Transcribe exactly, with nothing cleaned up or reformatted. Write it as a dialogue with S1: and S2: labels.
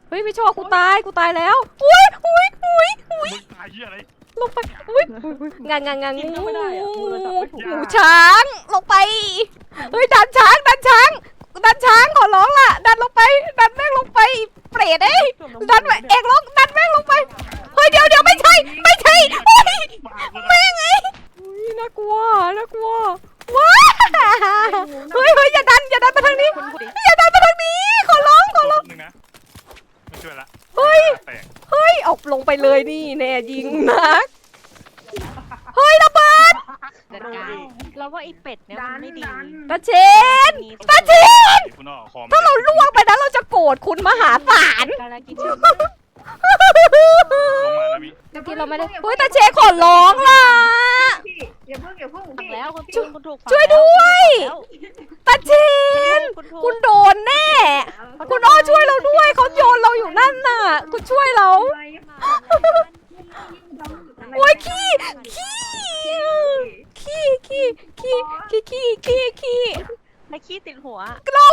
S1: เฮ้ยไม่ชอบกูตายกูตายแล้วอุ้ยอุ้ยอุ้ยอุ้ย
S2: มึงตายเหี้ยอะไร
S1: ลงไปอุ้ยงางางาง
S3: กิน
S1: งู
S3: ก็ไม่ได้อะมือจับไม่ถูก
S1: งูช้างลงไปเฮ้ยดันช้างดันช้างดันช้างขอร้องล่ะดันลงไปดันแม่งลงไปเปรตเอ้ยดันเอกลงดันแม่งลงไปเฮ้ยเดี๋ยวเดี๋ยวไม่ใช่ไม่ใช่โอ้ยแม่งไอ้อุ้ยน่ากลัวน่ากลัวว้าเฮ้ยเฮ้ยอย่าดันอย่าดันมาทางนี้อย่าดันมาทางนี้ขอร้องขอร้อง
S2: นึงนะไม่ช่วยละ
S1: เฮ้ย
S2: แตก
S1: เฮ้ยออกลงไปเลยนี่แน่ยิงนักเฮ้ยระเบิด
S4: จัดการเราว่าไอ้เป็ดเนี่ยมันไม่ดี
S1: ตาเชนตาเชน
S2: คุณออกคอม
S1: ถ้าเราล่วงไปนะเราจะโกรธคุณมหาศาล
S4: การกิน
S2: ลงมานะมิ
S1: ที่เราไม่ได้เฮ้ยตาเชนขอร้องล่ะ
S5: พี่อย่าเพิ่งอย่าเพิ่ง
S4: ฝัง
S5: พี่
S4: แล้วคุณถูกคุณถูก
S1: ช่วยด้วยตาเชน
S4: คุณถูก
S1: คุณโดนแน่ คุณอ้อช่วยเราด้วยเขาโยนเราอยู่นั่นน่ะคุณช่วยเราโอ้ยขี้ขี้ขี้ขี้ขี้ขี้ขี้ขี้ขี้
S4: ไอ้ขี้ติดหัว
S1: กล้อ